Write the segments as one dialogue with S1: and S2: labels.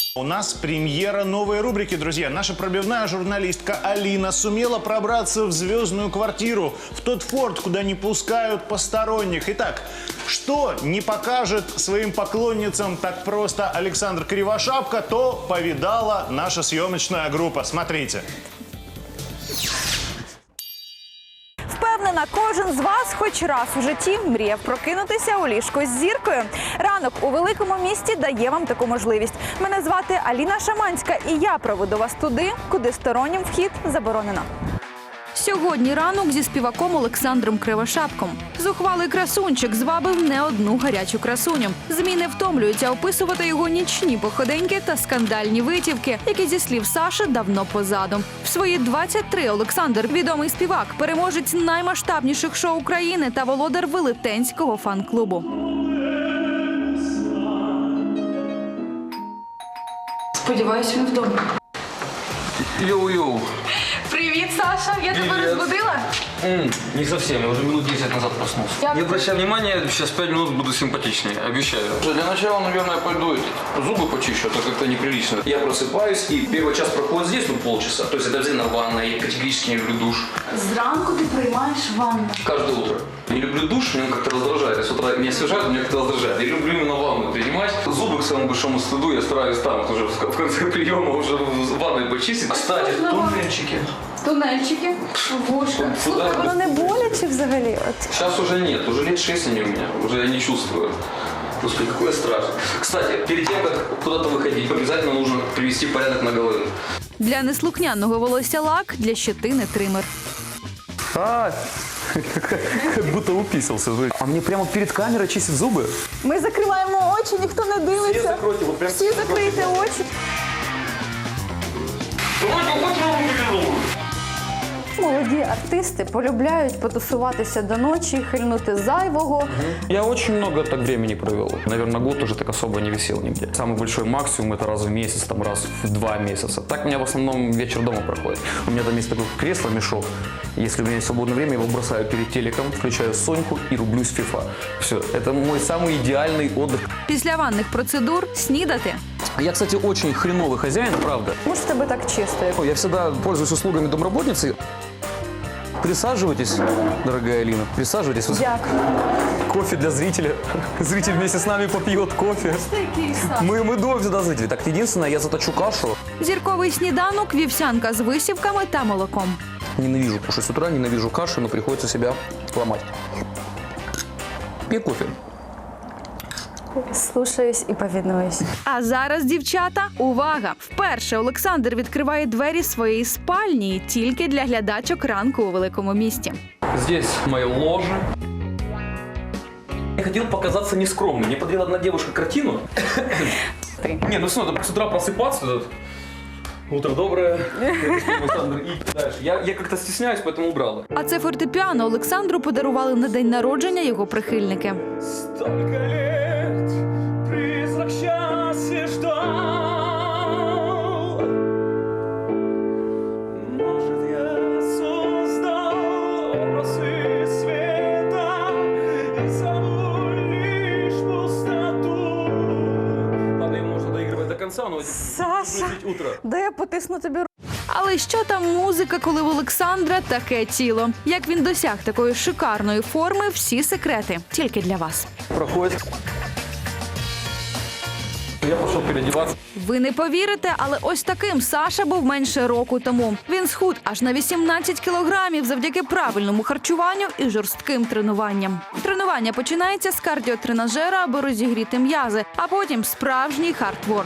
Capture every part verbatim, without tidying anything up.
S1: У нас премьера новой рубрики, друзья. Наша пробивная журналистка Алина сумела пробраться в звездную квартиру, в тот форт, куда не пускают посторонних. Итак, что не покажет своим поклонницам так просто Александр Кривошапка, то повидала наша съемочная группа. Смотрите.
S2: Впевнена, кожен з вас хоч раз у житті мріяв прокинутися у ліжку з зіркою. Ранок у великому місті дає вам таку можливість. Мене звати Аліна Шаманська, і я проведу вас туди, куди стороннім вхід заборонено. Сьогодні ранок зі співаком Олександром Кривошапком. Зухвалий красунчик звабив не одну гарячу красуню. ЗМІ не втомлюються описувати його нічні походеньки та скандальні витівки, які, зі слів Саши, давно позаду. В свої двадцять три Олександр – відомий співак, переможець наймасштабніших шоу України та володар велетенського фан-клубу.
S3: Сподіваюсь, він вдома.
S4: Йоу-йоу.
S3: Привіт, Саша. Я тебе
S4: Привет.
S3: розбудила?
S4: М, не совсем, я уже минут десять назад проснулся.
S3: Я-
S4: Не обращай внимания, сейчас пять минут буду симпатичнее, обещаю. Для начала, наверное, пойду зубы почищу, это как-то неприлично.
S5: Я просыпаюсь, и первый час проходит здесь, ну, полчаса. То есть это обязательно ванна, я категорически не люблю душ.
S3: Зранку ти приймаєш ванну.
S5: Каждое утро. Не люблю душ, меня как-то раздражает. С утра меня освежают, меня как-то раздражает. Я люблю именно ванну принимать. Зубы, к своему большому стыду, я стараюсь там уже в конце приема уже в ванной почистить. Кстати,
S3: Можно ванну?
S5: туннельчики.
S3: Тунельчики, вушка.
S5: Слухай,
S2: Воно не боляче взагалі? От.
S5: Сейчас уже нет, уже лет шесть они у меня, уже я не чувствую. Господи, какой страх. Кстати, перед тем, как куда-то выходить, обязательно нужно привести порядок на голове.
S2: Для неслухняного волосся лак, для щетини тример.
S6: А, как будто уписался. А мне прямо перед камерой чистят зубы?
S2: Ми закриваємо очі, ніхто не дивиться.
S6: закройте, вот прям
S2: Всі закрийте очі. Молоді артисти полюбляють потусуватися до ночі, хильнути зайвого.
S6: Я очень много так времени провел. Наверное, год уже так особо не висел нигде. Самый большой максимум это раз в месяц, там раз в два месяца. Так у меня в основном вечер дома проходит. У меня там есть такое кресло-мешок. Если у меня есть свободное время, я его бросаю перед телеком, включаю Соньку и рублюсь в фифа. Все, это мой самый идеальный отдых.
S2: Після ванних процедур снідати.
S6: Я, кстати, очень хреновый хозяин, правда.
S2: Може, в тебе так чисто.
S6: Я всегда пользуюсь услугами домработницы. Присаживайтесь, дорогая Алина, присаживайтесь.
S2: Дякую.
S6: Кофе для зрителя. Зритель вместе с нами попьет кофе. Мы, мы дуем всегда зрители. Так, единственное, я заточу кашу.
S2: Зірковий сніданок, вівсянка з висівками та молоком.
S6: Ненавижу кушать с утра, ненавижу кашу, но приходится себя ломать. Пей кофе.
S2: Слушаюсь і повинуюсь. А зараз, дівчата, увага! Вперше Олександр відкриває двері своєї спальні тільки для глядачок ранку у великому місті.
S4: Здесь мое ложе.
S6: Я хотел показаться нескромным. Мне подарила одна девушка картину. Не, ну что, надо с утра просыпаться. Утро доброе. Александр, и дальше. Я, я как-то стесняюсь, поэтому убрала.
S2: А це фортепіано Олександру подарували на день народження його прихильники.
S6: Столько лет призрак счастья ждал. Может, я создал образы света и забыл лишь пустоту. Ладно, ее можно доигрывать до конца, но
S2: Саша,
S6: утро.
S2: де я потисну тобі руку? Але що там музика, коли в Олександра таке тіло? Як він досяг такої шикарної форми, всі секрети тільки для вас.
S6: Проходит. Я пошел переодеваться.
S2: Ви не повірите, але ось таким Саша був менше року тому. Він схуд аж на вісімнадцять кілограмів завдяки правильному харчуванню і жорстким тренуванням. Тренування починається з кардіотренажера, аби розігріти м'язи, а потім справжній хардворк.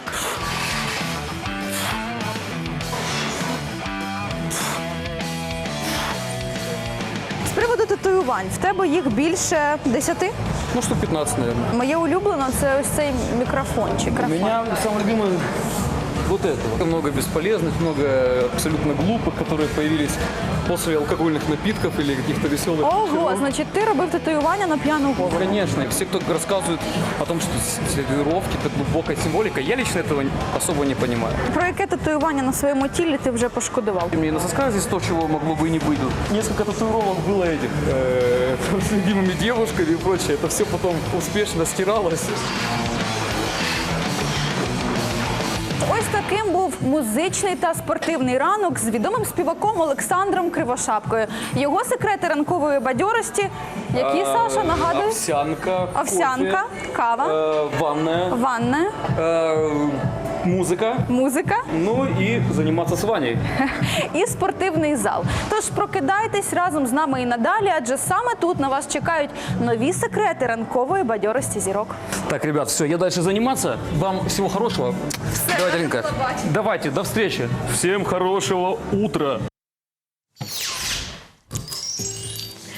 S2: З приводу татуювань, в тебе їх більше десяти?
S6: Ну, штук пятнадцать, наверное.
S2: Моє улюблене – це ось цей мікрофончик.
S6: У меня самый любимый вот этого. Много бесполезных, много абсолютно глупых, которые появились после алкогольных напитков или каких-то веселых
S2: Ого,
S6: вечеров.
S2: значить, ти робив татуювання на п'яну голову.
S6: Конечно, и все, кто рассказывает о том, что татуировки – это глубокая символика, я лично этого особо не понимаю.
S2: Про яке татуювання на своєму тілі ти вже пошкодував?
S6: У меня на сосках здесь то, чего могло бы и не быть. Несколько татуировок было этих э, с любимыми девушками и прочее. Это все потом успешно стиралось.
S2: Ось таким був музичний та спортивний ранок з відомим співаком Олександром Кривошапкою. Його секрети ранкової бадьорості, які, Саша, нагадує?
S7: Овсянка,
S2: Овсянка,
S7: кофе,
S2: кава,
S7: э, ванная,
S2: ванна,
S7: э, музыка,
S2: музика
S7: ну и заниматься с Ваней.
S2: і спортивний зал. Тож прокидайтесь разом з нами і надалі, адже саме тут на вас чекають нові секрети ранкової бадьорості зірок.
S7: Так, ребят, все, я дальше заниматься. Вам всего хорошего. Давайте, Алинка. Давайте, до встречи. Всем хорошего утра.